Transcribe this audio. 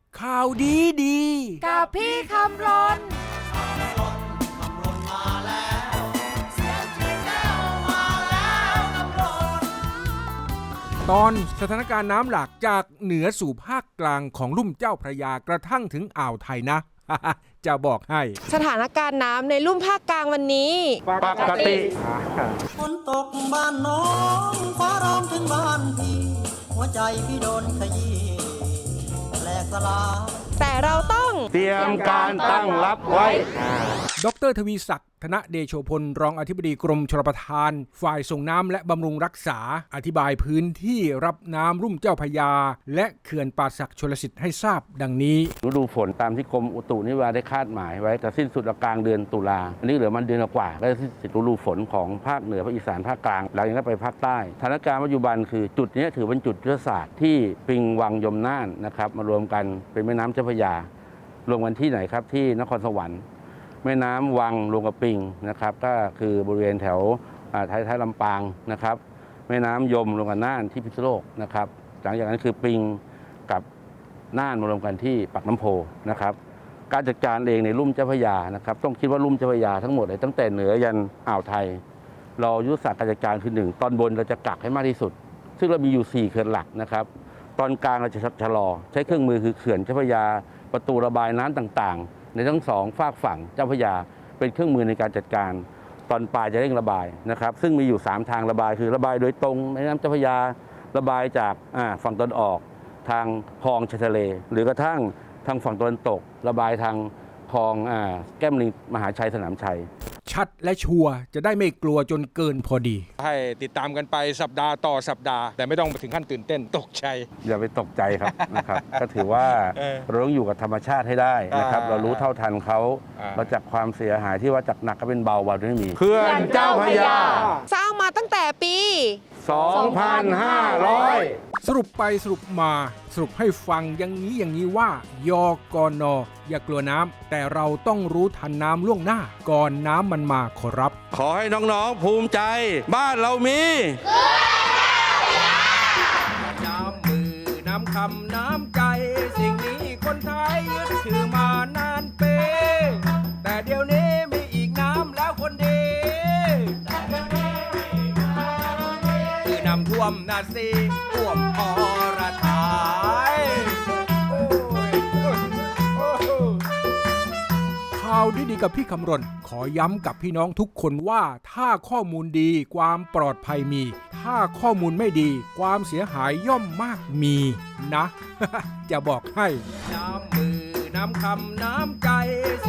ข่าวดีดีกับพี่คำรนตอนสถานการณ์น้ำหลากจากเหนือสู่ภาคกลางของลุ่มเจ้าพระยากระทั่งถึงอ่าวไทยนะ จะบอกให้สถานการณ์น้ำในลุ่มภาคกลางวันนี้ปกติฝนตกบ้านน้องฟ้าร้องถึงบ้านพี่หัวใจพี่โดนขยี้แหลกสลายแต่เราต้องเตรียมการตั้งรับไว้ดร.ทวีศักดิ์ธนเดโชพลรองอธิบดีกรมชลประทานฝ่ายส่งน้ำและบำรุงรักษาอธิบายพื้นที่รับน้ำลุ่มเจ้าพระยาและเขื่อนป่าสักชลสิทธิ์ให้ทราบดังนี้ฤดูฝนตามที่กรมอุตุนิยมวิทยาได้คาดหมายไว้จะสิ้นสุดกลางเดือนตุลาอันนี้เหลือมันเดือนกว่าก็จะสิ้นสุดฤดูฝนของภาคเหนือภาคอีสานภาคกลางหลังจากนั้นไปภาคใต้สถานการณ์ปัจจุบันคือจุดนี้ถือเป็นจุดยุทธศาสตร์ที่ปิงวังยมน่านนะครับมารวมกันเป็นแม่น้ำเจ้าพระยารวมกันที่ไหนครับที่นครสวรรค์แม่น้ำวังรวมกับปิงนะครับก็คือบริเวณแถวท้ายลำปางนะครับแม่น้ำยมรวมกันน่านที่พิษณุโลกนะครับหลังจากนั้นคือปิงกับน่านมารวมกันที่ปากน้ำโพนะครับการจัดการเองในลุ่มเจ้าพระยานะครับต้องคิดว่าลุ่มเจ้าพระยาทั้งหมดเลยตั้งแต่เหนือยันอ่าวไทยเรายุทธศาสตร์การจัดการคือ1ตอนบนเราจะกักให้มากที่สุดซึ่งเรามีอยู่4เขื่อนหลักนะครับตอนกลางเราจะชะลอใช้เครื่องมือคือเขื่อนเจ้าพระยาประตูระบายน้ำต่างๆในทั้ง2ฝากฝั่งเจ้าพระยาเป็นเครื่องมือในการจัดการตอนปลายจะเร่งระบายนะครับซึ่งมีอยู่3ทางระบายคือระบายโดยตรงแม่น้ำเจ้าพระยาระบายจากฝั่งตะวันออกทางคลองชายทะเลหรือกระทั่งทางฝั่งตะวันตกระบายทางคลองแก้มลิงมหาชัยสนามชัยชัดและชัวร์จะได้ไม่กลัวจนเกินพอดีให้ติดตามกันไปสัปดาห์ต่อสัปดาห์แต่ไม่ต้องถึงขั้นตื่นเต้นตกใจอย่าไปตกใจครับ นะครับก็ถือว่าเราต้องอยู่กับธรรมชาติให้ได้นะครับเรารู้เท่าทันเขาเราจับความเสียหายที่ว่าจากหนักก็เป็นเบาวันไม่มีเขื่อนเจ้าพระยาสร้างมาตั้งแต่ปี 2500 สรุปไปสรุปมาสรุปให้ฟังอย่างนี้ว่ายกนอย่ากลัวน้ำแต่เราต้องรู้ทันน้ำล่วงหน้าก่อนน้ำมันมาขอรับขอให้น้องๆภูมิใจบ้านเรามีน้ำมือน้ำคำน้ำใจสิ่งนี้คนไทยยึดถือมานานเปแต่เดี๋ยวนี้มีอีกน้ำแล้วคนดีคือน้ำท่วมนาซีท่วมอรไทยข่าวดีๆกับพี่คำรณขอย้ำกับพี่น้องทุกคนว่าถ้าข้อมูลดีความปลอดภัยมีถ้าข้อมูลไม่ดีความเสียหายย่อมมากมีนะ จะบอกให้น้ำมือน้ำคำน้ำใจ